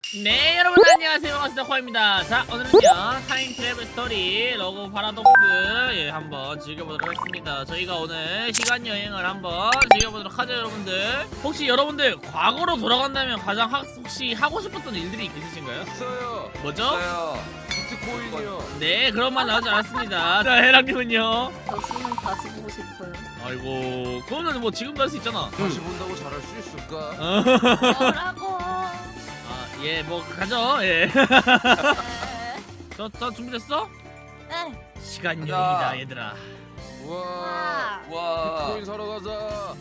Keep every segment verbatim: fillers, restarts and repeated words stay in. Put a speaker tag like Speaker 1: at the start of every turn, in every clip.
Speaker 1: 네, 여러분 안녕하세요. 반갑습니다. 코아입니다. 자, 오늘은요 타임 트래블 스토리 러그 파라독스 예, 한번 즐겨보도록 하겠습니다. 저희가 오늘 시간 여행을 한번 즐겨보도록 하죠. 여러분들 혹시 여러분들 과거로 돌아간다면 가장 하, 혹시 하고 싶었던 일들이 있으신가요?
Speaker 2: 있어요.
Speaker 1: 뭐죠?
Speaker 2: 있어요. 비트코인이요.
Speaker 1: 네, 그런 말 나오지 않았습니다. 자, 해랑님은요?
Speaker 3: 저 수능 다시 보고 싶어요.
Speaker 1: 아이고, 그거는 뭐 지금도 할 수 있잖아.
Speaker 2: 다시 본다고 잘할 수 있을까?
Speaker 3: 뭐라고?
Speaker 1: 아, 예, 뭐 가죠. 예.
Speaker 3: 네.
Speaker 1: 저, 저 준비됐어?
Speaker 3: 네.
Speaker 1: 시간
Speaker 2: 가자.
Speaker 1: 여행이다, 얘들아.
Speaker 2: 우와. 우와. 비트코인 사러 가자.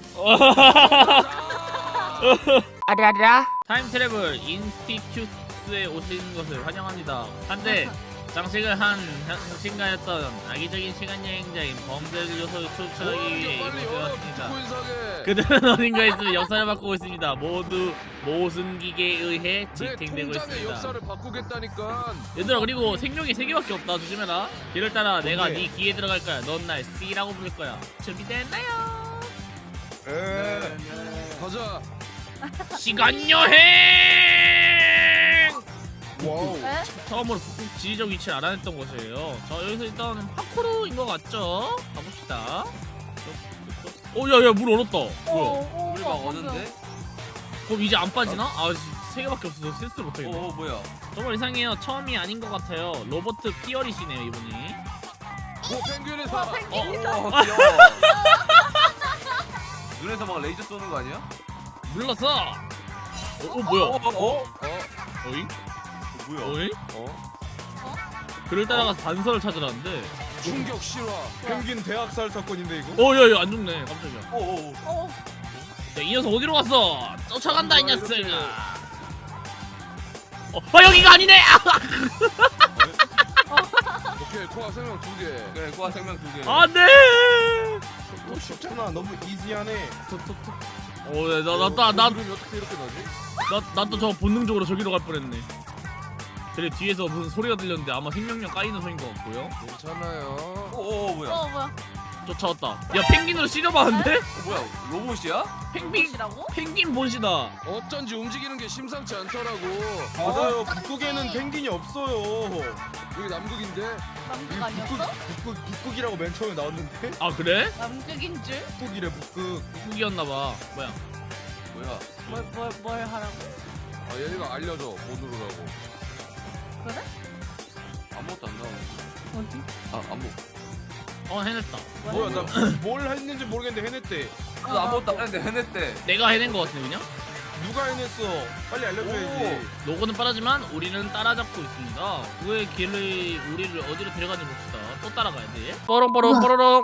Speaker 1: 아라라 타임 트래블 인스티튜트에 오신 것을 환영합니다. 한데 장식을 한 장신가였던 악의적인 시간 여행자인 범죄 요소를 추적하기 위해
Speaker 2: 빨리
Speaker 1: 이곳에
Speaker 2: 열어.
Speaker 1: 왔습니다.
Speaker 2: 비트코인 사게.
Speaker 1: 그들은 어딘가에서 역사를 바꾸고 있습니다. 모두 모순 기계에 의해
Speaker 2: 내
Speaker 1: 지탱되고
Speaker 2: 통장의
Speaker 1: 있습니다.
Speaker 2: 역사를 바꾸겠다니까.
Speaker 1: 얘들아, 그리고 생명이 세 개밖에 없다. 조심해라. 길을 따라 내가
Speaker 4: 네.
Speaker 1: 네 귀에 들어갈 거야. 넌 날 C라고 부를 거야. 준비됐나요?
Speaker 4: 에
Speaker 2: 가자.
Speaker 1: 시간 여행!
Speaker 4: 와우.
Speaker 3: 네?
Speaker 1: 처음으로 북극 지리적 위치를 알아냈던 곳이에요. 자, 여기서 일단 파쿠르인 것 같죠? 가봅시다. 어, 야, 야, 물 얼었다. 뭐야?
Speaker 5: 물이 막 오는데?
Speaker 1: 그럼 이제 안 빠지나? 아, 세 개밖에 없어서 센스를 못하겠네.
Speaker 5: 어, 어 뭐야?
Speaker 1: 정말 이상해요. 처음이 아닌 것 같아요. 로버트 피어리시네요, 이분이.
Speaker 2: 오 펭귄이 사.
Speaker 5: 어, 어, 귀여워. 눈에서 막 레이저 쏘는 거 아니야?
Speaker 1: 물렀어! 어, 어, 뭐야?
Speaker 5: 어, 어, 어?
Speaker 1: 어잉?
Speaker 5: 뭐야?
Speaker 1: 어잉?
Speaker 2: 어?
Speaker 1: 그를 따라가서 단서를 찾으라는데.
Speaker 2: 충격 실화.
Speaker 4: 펭귄 대학살 사건인데 이거?
Speaker 1: 어, 야, 야, 안 죽네. 깜짝이야.
Speaker 5: 어, 어, 어.
Speaker 3: 어.
Speaker 1: 야, 이 녀석 어디로 갔어? 쫓아간다, 이
Speaker 2: 뭐야,
Speaker 1: 녀석아.
Speaker 2: 이렇게.
Speaker 1: 어, 아, 여기가 아니네! 아!
Speaker 2: 오케이 코아 생명 두 개.
Speaker 5: 그래, 고아 생명 두 개.
Speaker 1: 안 돼!
Speaker 4: 너 쉽잖아. 너무 이지하네.
Speaker 1: 어, 야, 나, 나, 나, 나,
Speaker 2: 이름이 어떻게 이렇게 나지?
Speaker 1: 나, 나도 저 본능적으로 저기로 갈 뻔했네. 그래, 뒤에서 무슨 소리가 들렸는데 아마 생명력 까이는 소리인 것 같고요.
Speaker 2: 괜찮아요.
Speaker 5: 어, 어, 뭐야?
Speaker 3: 어 뭐야?
Speaker 1: 쫓아왔다. 야, 펭귄으로 찌려봤는데?
Speaker 5: 어, 뭐야? 로봇이야?
Speaker 1: 펭귄,
Speaker 3: 이라고?
Speaker 1: 펭귄 본시다.
Speaker 2: 어쩐지 움직이는 게 심상치 않더라고.
Speaker 4: 맞아요. 북극에는 펭귄이 없어요.
Speaker 2: 여기 남극인데.
Speaker 3: 남극
Speaker 4: 북극,
Speaker 3: 아니었어?
Speaker 4: 북극, 북극이라고 맨 처음에 나왔는데?
Speaker 1: 아, 그래?
Speaker 3: 남극인 줄?
Speaker 4: 북극이래 북극.
Speaker 1: 북이었나봐. 뭐야?
Speaker 5: 뭐야?
Speaker 3: 뭘 뭘 뭘 하라고?
Speaker 2: 아 얘가 알려줘 뭐 누르라고.
Speaker 3: 그래?
Speaker 5: 아무것도 안 나오네.
Speaker 3: 어디?
Speaker 5: 아, 아무.
Speaker 1: 어, 해냈다.
Speaker 4: 뭐야 나 뭘 했는지 모르겠는데 해냈대.
Speaker 5: 나 아무것도 안 했는데 해냈대.
Speaker 1: 내가 해낸 것 같은데, 그냥?
Speaker 4: 누가 해냈어? 빨리 알려줘야지.
Speaker 1: 로고는 빠르지만 우리는 따라잡고 있습니다. 그의 길을 우리를 어디로 데려가는지 봅시다. 또 따라가야 돼. 뽀롱뽀롱 뽀로롱.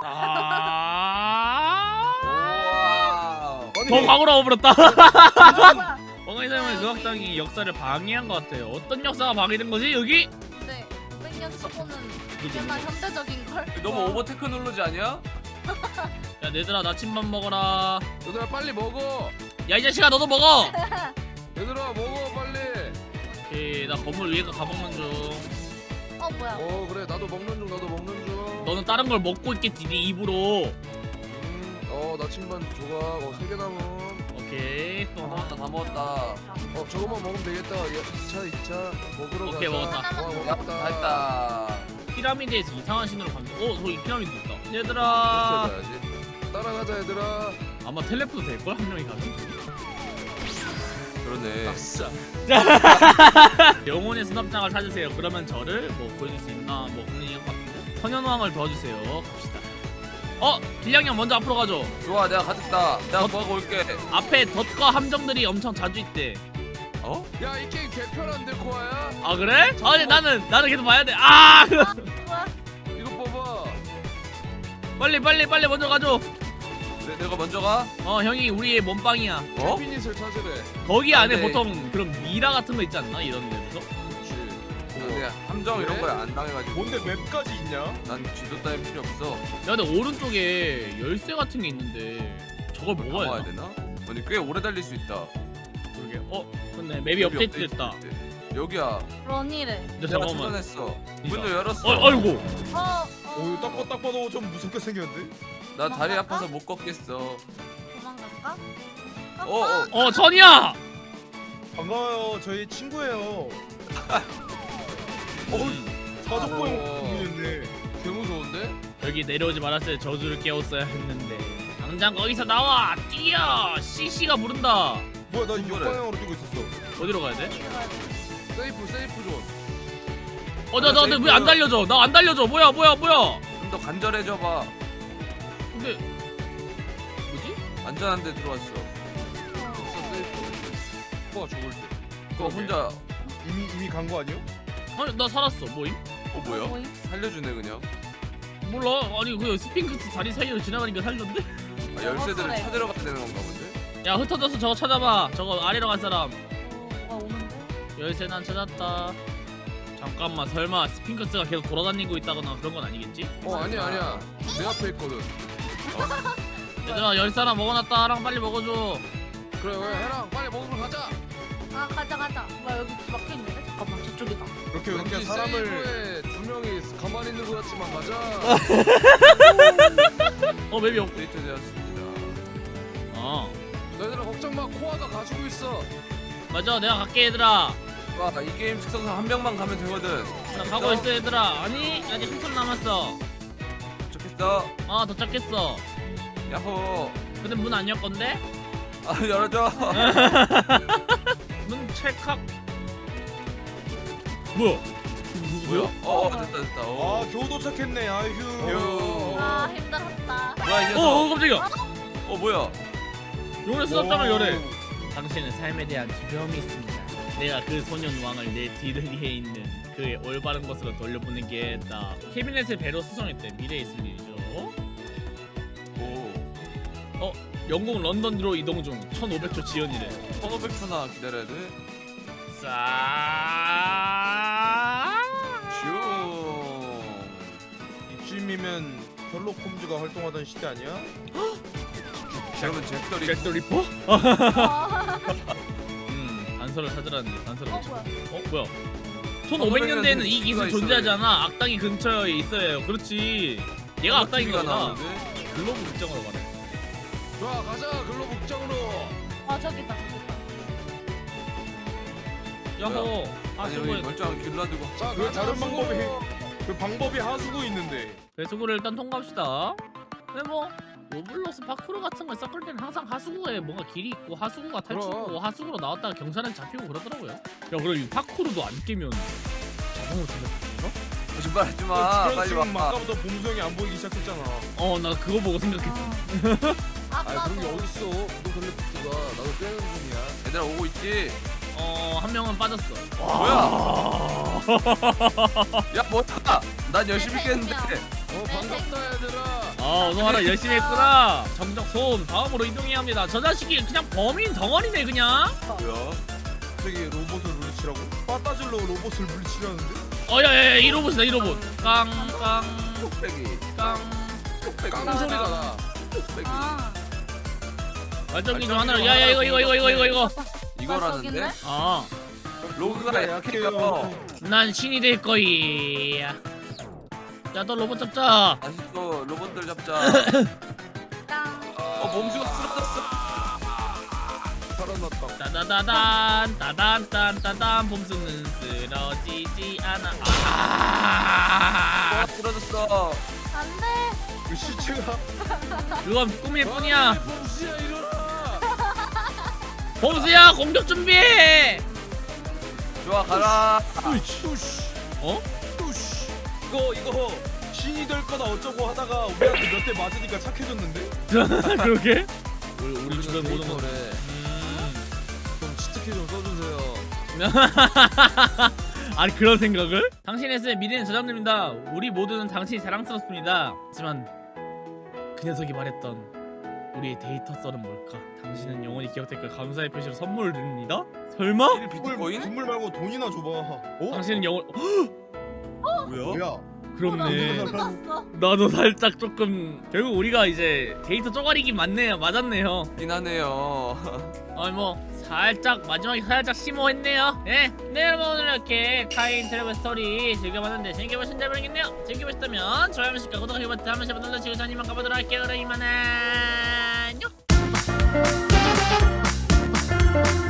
Speaker 1: 아.
Speaker 5: 우와.
Speaker 1: 더 과거로 와버렸다.
Speaker 3: 뭐야?
Speaker 1: 엉덩이 사용의 의학당이 역사를 방해한 것 같아요. 어떤 역사가 방해된 거지 여기?
Speaker 3: 근데 백년 치고는 꽤나 현대적인 걸.
Speaker 5: 너무 오버 테크놀로지 아니야?
Speaker 1: 야, 얘들아, 나침반 먹어라.
Speaker 2: 얘들아 빨리 먹어.
Speaker 1: 야, 이 자식아, 너도 먹어.
Speaker 2: 얘들아 먹어 빨리.
Speaker 1: 오케이, 나 건물 위에 거 가먹는 중.
Speaker 3: 어 뭐야?
Speaker 2: 어 그래 나도 먹는 중 나도 먹는 중.
Speaker 1: 너는 다른 걸 먹고 있겠지, 네 입으로.
Speaker 2: 음, 어 나침반 조각 어세 개 남은.
Speaker 1: 오케이,
Speaker 5: 다
Speaker 1: 또 하나.
Speaker 5: 먹었다, 다 먹었다.
Speaker 2: 어 저거만 먹으면 되겠다. 이 차 이 차 먹으러
Speaker 1: 오케이,
Speaker 2: 가자.
Speaker 1: 먹었다.
Speaker 2: 와
Speaker 5: 야,
Speaker 2: 먹었다.
Speaker 5: 다 했다.
Speaker 1: 피라미드에서 이상한 신호를 감지. 어, 저기 피라미드 있다. 얘들아.
Speaker 2: 가야지. 따라가자 얘들아.
Speaker 1: 아마 텔레포도 될걸? 한 명이 가면?
Speaker 5: 그러네.
Speaker 2: 아싸.
Speaker 1: 영혼의 수납장을 찾으세요. 그러면 저를 뭐 보여줄 수 있나? 뭐 없는 것 같은데. 선현왕을 도와주세요. 갑시다. 어! 길냥이 형 먼저 앞으로 가죠.
Speaker 5: 좋아, 내가 가졌다. 내가 구하고 올게.
Speaker 1: 앞에 덫과 함정들이 엄청 자주 있대.
Speaker 5: 어?
Speaker 2: 야 이 게임 개편한데 코아야?
Speaker 1: 아, 그래? 아니, 나는 나는 계속 봐야 돼. 아!
Speaker 3: 뭐야?
Speaker 2: 이거 봐봐.
Speaker 1: 빨리 빨리 빨리 먼저 가죠.
Speaker 5: 내, 내가 먼저 가?
Speaker 1: 어, 형이 우리의 몸빵이야.
Speaker 5: 어?
Speaker 2: 피닛을 찾으래.
Speaker 1: 거기 안에
Speaker 5: 네.
Speaker 1: 보통 그런 미라 같은 거 있지 않나? 이런 데서?
Speaker 2: 그렇지.
Speaker 5: 근데 함정 이런 거에 안 당해가지고.
Speaker 4: 뭔데 맵까지 있냐?
Speaker 5: 난 지도 따위 필요 없어.
Speaker 1: 야, 근데 오른쪽에 열쇠 같은 게 있는데 저걸 먹어야
Speaker 5: 먹어야
Speaker 1: 되나?
Speaker 5: 되나? 아니 꽤 오래 달릴 수 있다.
Speaker 1: 그러게. 어, 근데 맵이 업데이트 됐다.
Speaker 5: 여기야.
Speaker 3: 런이래.
Speaker 1: 근데
Speaker 5: 내가
Speaker 1: 잠깐만.
Speaker 5: 찾아냈어.
Speaker 1: 이거.
Speaker 5: 문도 열었어.
Speaker 1: 어, 아이고.
Speaker 3: 어.
Speaker 4: 오 딱, 봐- 딱 봐도 좀 무섭게 생겼는데?
Speaker 5: 나 다리 아파서 못 걷겠어.
Speaker 3: 도망갈까?
Speaker 5: 어, 어.
Speaker 1: 어, 전이야.
Speaker 4: 반가워요. 저희 친구예요. 어, 사족보행 분이었네.
Speaker 2: 개 무서운데?
Speaker 1: 여기 내려오지 말았어야 저주를 깨웠어야 했는데. 당장 거기서 나와! 뛰어! 씨씨가 부른다.
Speaker 4: 뭐야, 나
Speaker 5: 그래.
Speaker 4: 역방향으로 뛰고 있었어.
Speaker 1: 어디로 가야 돼?
Speaker 2: 세이프 세이프 존.
Speaker 1: 어, 나, 나, 나 왜 안 달려줘? 나 안 달려줘. 뭐야, 뭐야, 뭐야?
Speaker 5: 좀 더 간절해져 봐.
Speaker 1: 근데 뭐지?
Speaker 5: 안전한 데 들어왔어.
Speaker 2: 없어 세이프. 코가 죽을 때.
Speaker 5: 그거 혼자
Speaker 4: 이미 이미 간 거 아니요?
Speaker 1: 아니 나 살았어. 뭐임?
Speaker 5: 어 뭐야?
Speaker 3: 뭐임?
Speaker 5: 살려주네 그냥.
Speaker 1: 몰라. 아니 그 스핑크스 다리 사이로 지나가니까 살던데?
Speaker 5: 아, 열쇠들을
Speaker 3: 그래.
Speaker 5: 찾으러 가야 되는 건가 본데?
Speaker 1: 야 흩어져서 저거 찾아봐. 저거 아래로 간 사람.
Speaker 3: 어, 뭐가 오는데?
Speaker 1: 열쇠 난 찾았다. 잠깐만 설마 스핑크스가 계속 돌아다니고 있다거나 그런 건 아니겠지?
Speaker 2: 어 아니야 아니야. 내 앞에 있거든.
Speaker 1: 얘들아 열쇠 하나 먹어놨다. 하랑 빨리 먹어줘.
Speaker 2: 그래 그래 해랑 빨리 먹으러 가자.
Speaker 3: 아 가자 가자. 뭐야 여기 막혀 있는데? 잠깐만 저쪽이다.
Speaker 4: 이렇게 이렇게
Speaker 2: 왠지
Speaker 4: 사람을
Speaker 2: 세이프에 두 명이 가만히 있는 것 같지만 가자.
Speaker 1: 어 맵이 없.
Speaker 5: 데이트 되었습니다.
Speaker 1: 어
Speaker 2: 너희들아 걱정 마. 코아가 가지고 있어.
Speaker 1: 맞아 내가 갈게 얘들아.
Speaker 5: 와, 이 게임 특성상 한 명만 가면 되거든.
Speaker 1: 나 가고 있어 얘들아. 아니 아직 한참 남았어.
Speaker 5: 좋겠어.
Speaker 1: 아 도착했어.
Speaker 5: 야호.
Speaker 1: 근데 문 안 열 건데?
Speaker 5: 아 열어줘.
Speaker 1: 문 찰칵. 뭐야? 누구세요?
Speaker 5: 어, 어 됐다 됐다.
Speaker 4: 아
Speaker 5: 어.
Speaker 4: 겨우 도착했네. 아휴.
Speaker 5: 휴.
Speaker 3: 아 힘들었다.
Speaker 5: 뭐야 이
Speaker 1: 어,
Speaker 5: 녀석.
Speaker 1: 어 깜짝이야.
Speaker 5: 어 뭐야?
Speaker 1: 용의 수납장을
Speaker 4: 오.
Speaker 1: 열해. 당신은 삶에 대한 두려움이 있습니다. 내가 그 소년 왕을 내 뒤뜰리에 있는 그의 올바른 곳으로 돌려보내겠다. 캐비넷의 배로 수송했대. 미래에 있을 일이죠.
Speaker 5: 오.
Speaker 1: 영국 런던으로 이동 중. 천오백 초 지연이래.
Speaker 5: 천오백 초나 기다려야 돼.
Speaker 1: 싸.
Speaker 5: 슈.
Speaker 4: 이쯤이면 셜록 홈즈가 활동하던 시대 아니야?
Speaker 5: 그러면 잭더리.
Speaker 1: 잭더 리퍼?
Speaker 3: 아,
Speaker 1: 음, 단서를 찾으라는데 단서를
Speaker 3: 어
Speaker 1: 못 찾아.
Speaker 3: 뭐야?
Speaker 1: 어 뭐야? 천오백 년대에는 이 기술
Speaker 5: 있어요.
Speaker 1: 존재하잖아. 악당이 근처에 있어야 해요. 그렇지. 얘가 악당인가 보다.
Speaker 5: 나오는데.
Speaker 1: 글로브 국정으로 가네.
Speaker 2: 좋아 가자 글로브 국장으로.
Speaker 3: 아 저기다 저기다.
Speaker 1: 야호. 아
Speaker 5: 아니 여기
Speaker 1: 수고해.
Speaker 5: 멀쩡한 길 놔두고.
Speaker 2: 자
Speaker 4: 왜
Speaker 2: 가자
Speaker 4: 다른
Speaker 2: 수고.
Speaker 4: 방법이 그 방법이 하수구 있는데.
Speaker 1: 배수구를 일단 통과합시다. 근데 뭐 로블록스 파쿠르 같은 걸 섞을 때는 항상 하수구에 뭔가 길이 있고 하수구가 탈출고
Speaker 2: 그럼.
Speaker 1: 하수구로 나왔다가 경찰한테 잡히고 그러더라고요. 야 그럼 이 파쿠르도 안 깨면 자동으로 잡혔어?
Speaker 5: 거짓말하지 마.
Speaker 4: 그럼
Speaker 5: 빨리
Speaker 4: 지금
Speaker 5: 와.
Speaker 4: 아까부터 봄수영이 안 보이기 시작했잖아.
Speaker 1: 어 나 그거 보고 생각했어.
Speaker 2: 아
Speaker 3: 아까도
Speaker 2: 그런 게 어딨어. 너 글래프트가 나도 빼는 중이야.
Speaker 5: 얘들아 오고 있지.
Speaker 1: 어 한 명은 빠졌어.
Speaker 5: 뭐야? 야 뭐야? 난 열심히 깼는데.
Speaker 2: 어 반갑다 얘들아.
Speaker 1: 아 어서 와라 열심히 했구나. 정적 소음 다음으로 이동해야 합니다. 저 자식이 그냥 범인 덩어리네 그냥.
Speaker 5: 뭐야?
Speaker 4: 저기 로봇을 물리치라고? 빠따질로 로봇을 물리치려는데?
Speaker 1: 어야야야 이 로봇이다 이 로봇. 깡깡
Speaker 5: 뚝배기.
Speaker 1: 깡.
Speaker 5: 뚝배기.
Speaker 2: 깡 소리가 나.
Speaker 5: 뚝배기.
Speaker 3: 아,
Speaker 1: 발전기 중 하나로 야야 이거 이거 이거 이거 이거 이거.
Speaker 5: 이거라는데?
Speaker 1: 아.
Speaker 5: 로그가 약해요.
Speaker 1: 난 신이 될 거야. 야, 너 로봇 잡자.
Speaker 5: 다시 또 로봇들 잡자.
Speaker 3: 깡.
Speaker 5: 어 범수가 쓰러졌어.
Speaker 4: 살아났다.
Speaker 1: 따다다단, 따단, 딴, 따단. 봄수는 쓰러지지 않아. 아,
Speaker 5: 어 쓰러졌어.
Speaker 3: 안돼.
Speaker 4: 그 시체가
Speaker 1: 그건 꿈일 뿐이야.
Speaker 2: 범수야 일어나.
Speaker 1: 봄수야, 공격 준비해.
Speaker 5: 좋아 가라.
Speaker 1: 어?
Speaker 4: 뚜시. 이거 이거 신이 될 거다 어쩌고 하다가 우리한테 몇 대 맞으니까 착해졌는데?
Speaker 1: 그러게? 우리, 우리 주변 모든 거.
Speaker 2: 래
Speaker 1: 음.
Speaker 2: 좀 치트키 좀 써주세요.
Speaker 1: 아니 그런 생각을? 당신의 스 미래는 저장됩니다. 우리 모두는 당신이 자랑스럽습니다. 하지만 그 녀석이 말했던 우리의 데이터 썰은 뭘까? 당신은 영원히 기억될 걸 감사의 표시로 선물을 드립니다? 설마?
Speaker 5: 일
Speaker 4: 선물,
Speaker 5: 비트코인?
Speaker 4: 선물 말고 돈이나 줘봐. 어?
Speaker 1: 당신은 영원...
Speaker 5: 뭐야?
Speaker 4: 뭐야?
Speaker 1: 그렇네.
Speaker 3: 떴어.
Speaker 1: 나도 살짝 조금 결국 우리가 이제 데이터 쪼가리긴 맞네요. 맞았네요.
Speaker 5: 긴 하네요.
Speaker 1: 아니 뭐 살짝 마지막에 살짝 심오했네요. 네, 네 여러분 오늘 이렇게 타임 트래블 스토리 즐겨봤는데 재밌게 보셨는지 모르겠네요. 재밌게 보셨다면 좋아요 한 번씩과 구독하기 버튼 한 번씩 눌러주시고 전 이만 가보도록 할게요. 그럼 이만 안녕.